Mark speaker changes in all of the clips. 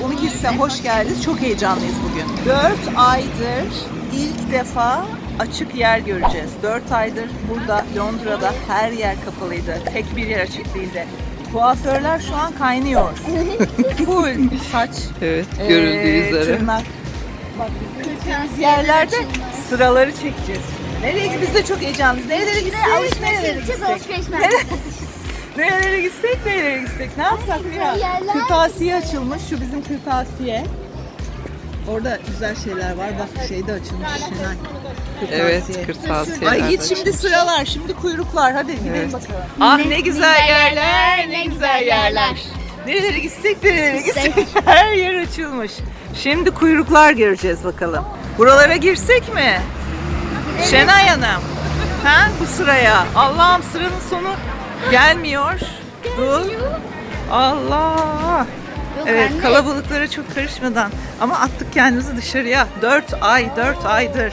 Speaker 1: 12'sine hoş geldiniz. Çok heyecanlıyız bugün. 4 aydır ilk defa açık yer göreceğiz. 4 aydır burada Londra'da her yer kapalıydı. Tek bir yer açık değildi. Kuaförler şu an kaynıyor. Full saç,
Speaker 2: Evet, görüldüğü üzere.
Speaker 1: tırnak. Bak, yerlerde sıraları çekeceğiz. Nereye gideceğiz? Biz de çok heyecanlıyız. Nerelere gitsek? Nerelere gitsek? Nerelere gitsek? Ne yapsak Mira? Kırtasiye açılmış. Şu bizim kırtasiye. Orada güzel şeyler var. Bak şey de açılmış.
Speaker 2: Evet, kırtasiye.
Speaker 1: Ay git şimdi sıralar. Şimdi kuyruklar. Hadi gidelim bakalım. Ah ne güzel yerler. Ne güzel yerler. Nerelere gitsek? Her yer açılmış. Şimdi kuyruklar göreceğiz bakalım. Buralara girsek mi? Şenay Hanım. Ha bu sıraya. Allah'ım sıranın sonu gelmiyor. Dur. Allah. Evet kalabalıklara çok karışmadan ama attık kendimizi dışarıya. 4 aydır.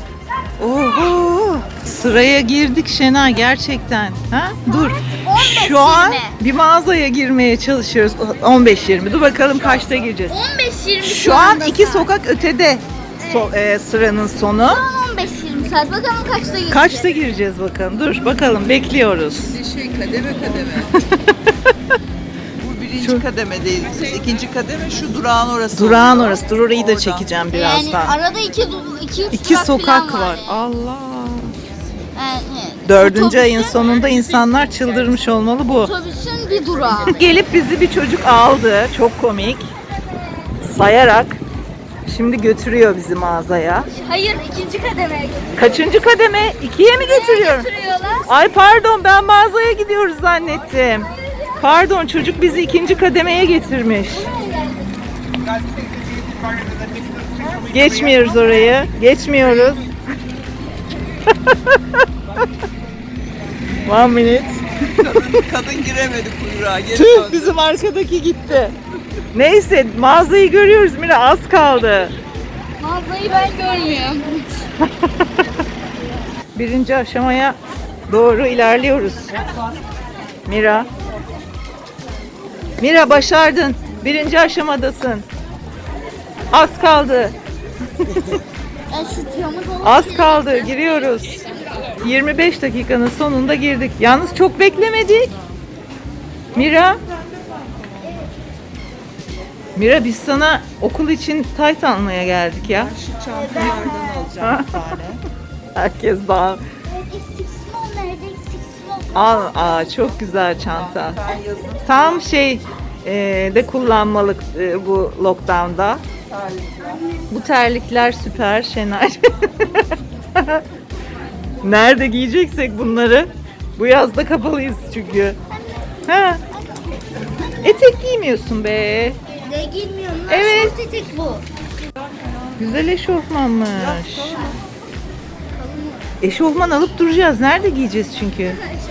Speaker 1: Oho. Sıraya girdik Şenay gerçekten. Ha? Dur. Şu an bir mağazaya girmeye çalışıyoruz. 15-20. Dur bakalım kaçta gireceğiz.
Speaker 3: 15-20
Speaker 1: Şu an 2 sokak ötede sıranın sonu.
Speaker 3: 15-20 saat. Bakalım kaçta gireceğiz?
Speaker 1: Kaçta gireceğiz bakalım. Dur bakalım bekliyoruz.
Speaker 2: Kademe. Bu birinci kademedeyiz biz. İkinci kademe şu durağın orası.
Speaker 1: Durağın orası. Dur orayı da
Speaker 2: Oradan.
Speaker 1: çekeceğim
Speaker 3: Yani
Speaker 1: birazdan.
Speaker 3: arada
Speaker 1: 2 sokak
Speaker 3: falan
Speaker 1: var. Allah.
Speaker 3: Yani,
Speaker 1: 4. ayın sonunda insanlar çıldırmış olmalı bu.
Speaker 3: Otobüsün bir durağı.
Speaker 1: Gelip bizi bir çocuk aldı. Çok komik. Sayarak. Şimdi götürüyor bizi mağazaya.
Speaker 3: Hayır, ikinci kademeye götürüyorlar.
Speaker 1: Kaçıncı kademe? 2'ye mi götürüyor? Ay pardon ben mağazaya gidiyoruz zannettim. Pardon çocuk bizi 2. kademeye getirmiş. Geçmiyoruz orayı. Geçmiyoruz. One minute.
Speaker 2: Kadın giremedi kuyruğa. Geri
Speaker 1: Tüh
Speaker 2: döndü.
Speaker 1: bizim arkadaki gitti. Neyse mağazayı görüyoruz Mira az kaldı.
Speaker 3: Mağazayı ben görmüyorum.
Speaker 1: Birinci aşamaya doğru ilerliyoruz. Mira. Mira başardın. 1. aşamadasın. Az kaldı.
Speaker 3: Şu camı dolu.
Speaker 1: Az kaldı. Giriyoruz. 25 dakikanın sonunda girdik. Yalnız çok beklemedik. Mira. Mira biz sana okul için tayt almaya geldik ya.
Speaker 2: Şu çantalardan alacağım bir tane.
Speaker 1: Herkes daha.
Speaker 3: Nerede?
Speaker 1: Al, çok güzel çanta. Tam de kullanmalık bu lockdown'da. Bu terlikler süper Şenay. Nerede giyeceksek bunları? Bu yazda kapalıyız çünkü. Ha. Etek giymiyorsun be.
Speaker 3: Ne giymiyorum lan?
Speaker 1: Evet.
Speaker 3: Şort etek bu.
Speaker 1: Güzel eşofmanmış. Eşofman alıp duracağız. Nerede giyeceğiz çünkü?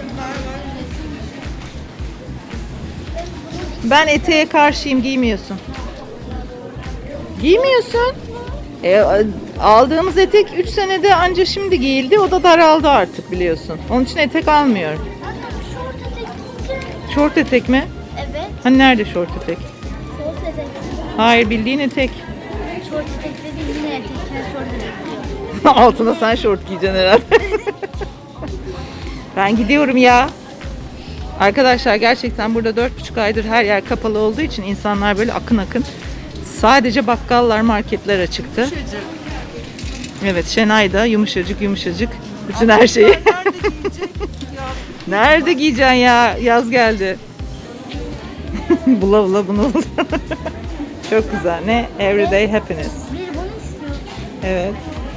Speaker 1: Ben eteğe karşıyım. Giymiyorsun. Giymiyorsun. Aldığımız etek 3 senede anca şimdi giyildi. O da daraldı artık biliyorsun. Onun için etek almıyorum.
Speaker 3: Şort etek giyeceğim.
Speaker 1: Şort etek mi?
Speaker 3: Evet.
Speaker 1: Hani nerede şort etek?
Speaker 3: Şort etek.
Speaker 1: Hayır bildiğin etek.
Speaker 3: Şort etek dediğin yine etek. Ben şort etek diyorum.
Speaker 1: Altına sen şort giyeceksin herhalde. Ben gidiyorum ya. Arkadaşlar gerçekten burada 4,5 aydır her yer kapalı olduğu için insanlar böyle akın akın. Sadece bakkallar, marketler açıktı. Evet Şenay da yumuşacık bütün her şeyi.
Speaker 2: Nerede giyecek?
Speaker 1: Nerede giyeceksin ya? Yaz geldi. Bula bunu bul. Çok güzel. Ne? Everyday happiness.
Speaker 3: Bir bunu istiyorum.
Speaker 1: Evet.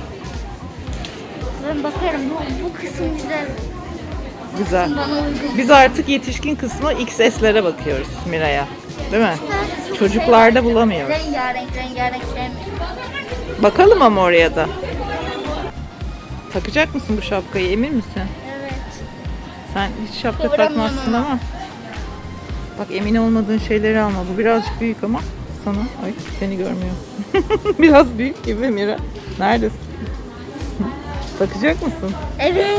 Speaker 3: Ben bakarım. Bu kısım güzel.
Speaker 1: Güzel.
Speaker 3: Bana uygun.
Speaker 1: Biz artık yetişkin kısmı XS'lere bakıyoruz Mira'ya. Değil mi? Çocuklarda bulamıyoruz.
Speaker 3: Rengarenk sevmiyorum.
Speaker 1: Bakalım ama oraya da. Takacak mısın bu şapkayı? Emin misin?
Speaker 3: Evet.
Speaker 1: Sen hiç şapka
Speaker 3: Kıvıramıyorum
Speaker 1: takmazsın
Speaker 3: ama.
Speaker 1: ama. Bak emin olmadığın şeyleri alma. Bu birazcık büyük ama sana. Ay seni görmüyor. Biraz büyük gibi Mira. Neredesin? Takacak mısın?
Speaker 3: Evet.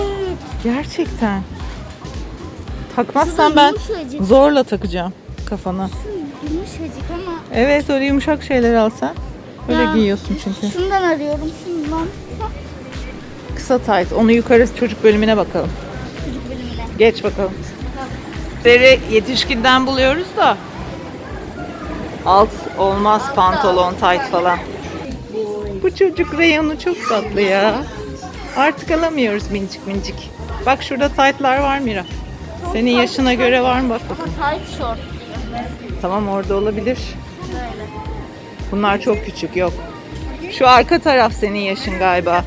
Speaker 1: Gerçekten. Takmazsan ben
Speaker 3: Yumuşacık.
Speaker 1: zorla takacağım kafana.
Speaker 3: Yumuşacık ama.
Speaker 1: Evet, öyle yumuşak şeyler alsan. Öyle
Speaker 3: Ya,
Speaker 1: giyiyorsun çünkü.
Speaker 3: Şundan arıyorum, şundan.
Speaker 1: Kısa tayt. Onu yukarı çocuk bölümüne bakalım.
Speaker 3: Çocuk bölümüne.
Speaker 1: Geç bakalım. Yetişkinden buluyoruz da. Alt olmaz, pantolon, tayt falan. Bu çocuk reyonu çok tatlı ya. Artık alamıyoruz mincik mincik. Bak şurada taytlar var Mira. Senin yaşına göre var mı bak bakalım.
Speaker 3: Ama tight short.
Speaker 1: Tamam, orada olabilir.
Speaker 3: Böyle.
Speaker 1: Bunlar çok küçük, yok. Şu arka taraf senin yaşın galiba.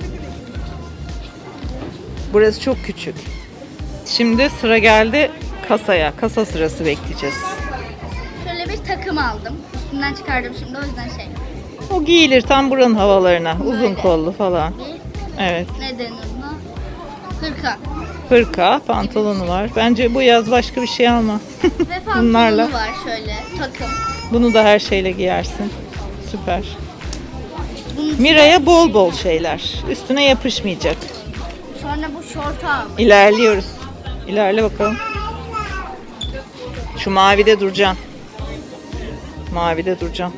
Speaker 1: Burası çok küçük. Şimdi sıra geldi kasaya. Kasa sırası bekleyeceğiz.
Speaker 3: Şöyle bir takım aldım. Üstünden çıkardım şimdi, o yüzden şey.
Speaker 1: O giyilir tam buranın havalarına. Uzun
Speaker 3: Böyle.
Speaker 1: kollu falan.
Speaker 3: Bir,
Speaker 1: Evet.
Speaker 3: ne denir buna? Hırka.
Speaker 1: Hırka, pantolonu var. Bence bu yaz başka bir şey alma.
Speaker 3: Ve pantolonu
Speaker 1: Bunlarla.
Speaker 3: var şöyle, takım.
Speaker 1: Bunu da her şeyle giyersin. Süper.
Speaker 3: Bunun
Speaker 1: Mira'ya bol bol şeyler. Üstüne yapışmayacak.
Speaker 3: Sonra bu şortu aldım.
Speaker 1: İlerliyoruz. İlerle bakalım. Şu mavide duracaksın. Mavide duracaksın.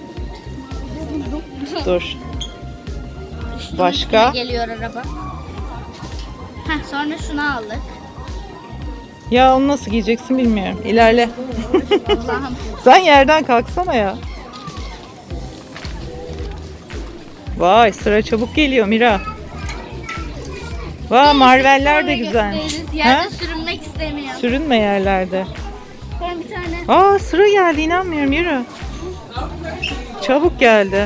Speaker 1: Dur. Başka?
Speaker 3: Geliyor araba. Heh, sonra şunu aldık.
Speaker 1: Ya onu nasıl giyeceksin bilmiyorum. İlerle.
Speaker 3: Allah'ım.
Speaker 1: Sen yerden kalksana ya. Vay, sıra çabuk geliyor Mira. Vay, marveller de güzel.
Speaker 3: Yerde sürünmek istemiyorum.
Speaker 1: Sürünme yerlerde.
Speaker 3: Ben bir tane.
Speaker 1: Aa, sıra geldi, inanmıyorum, yürü. Çabuk geldi.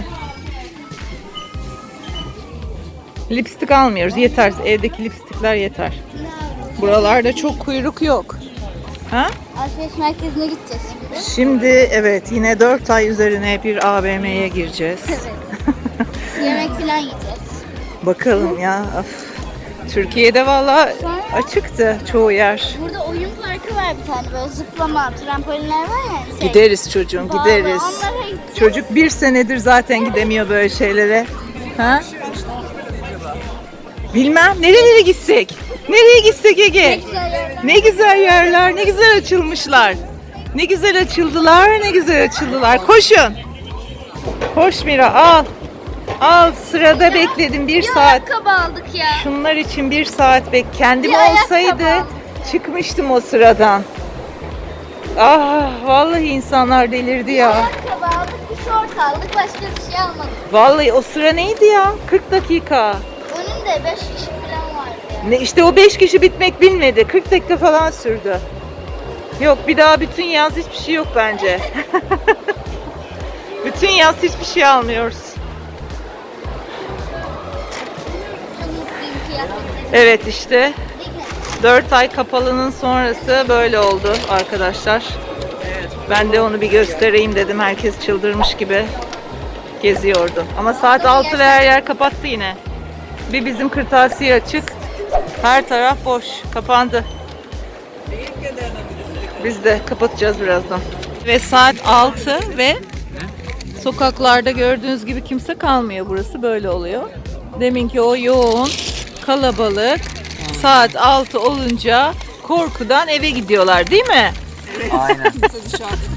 Speaker 1: Lipstik almıyoruz, yeter. Evdeki lipstikler yeter. Buralarda çok kuyruk yok. Ha?
Speaker 3: Alışveriş merkezine gideceğiz şimdi.
Speaker 1: Şimdi evet, yine 4 ay üzerine bir AVM'ye gireceğiz.
Speaker 3: Evet. Yemek falan yiyeceğiz.
Speaker 1: Bakalım ya. Of. Türkiye'de valla açıktı çoğu yer.
Speaker 3: Burada oyun parkı var bir tane, böyle zıplama, trampolinler var ya. Şey.
Speaker 1: Gideriz çocuğum,
Speaker 3: Vallahi
Speaker 1: gideriz.
Speaker 3: onlara gideceğiz.
Speaker 1: Çocuk bir senedir zaten gidemiyor böyle şeylere. Ha? Bilmem, nerelere gitsek? Nereye gitsek Ege?
Speaker 3: Ne güzel yerler.
Speaker 1: Ne güzel yerler, ne güzel açılmışlar. Ne güzel açıldılar, ne güzel açıldılar. Koşun. Koş Mira, al. Al, sırada bekledim bir
Speaker 3: Bir
Speaker 1: saat.
Speaker 3: ayakkabı aldık ya.
Speaker 1: Şunlar için bir saat kendim
Speaker 3: Bir ayakkabı
Speaker 1: olsaydı
Speaker 3: aldım.
Speaker 1: çıkmıştım o sıradan. Ah, vallahi insanlar delirdi ya.
Speaker 3: Ayakkabı aldık, bir şort aldık, başka bir şey almadık.
Speaker 1: Vallahi o sıra neydi ya? 40 dakika.
Speaker 3: Önünde 5 kişi falan vardı ya.
Speaker 1: Ne işte, o 5 kişi bitmek bilmedi. 40 dakika falan sürdü. Yok, bir daha bütün yaz hiçbir şey yok bence. Bütün yaz hiçbir şey almıyoruz.
Speaker 3: Çok mutluyum kıyafetlerim.
Speaker 1: Evet işte
Speaker 3: Değil mi?
Speaker 1: 4 ay kapalının sonrası böyle oldu arkadaşlar. Ben de onu bir göstereyim dedim. Herkes çıldırmış gibi geziyordu. Ama saat 6 ve her yer kapattı yine. Bir bizim kırtasiye açık. Her taraf boş. Kapandı. Biz de kapatacağız birazdan. Ve saat 6 ve sokaklarda gördüğünüz gibi kimse kalmıyor. Burası böyle oluyor. Deminki o yoğun kalabalık saat 6 olunca korkudan eve gidiyorlar, değil mi?
Speaker 2: Aynen. Kimse dışarıda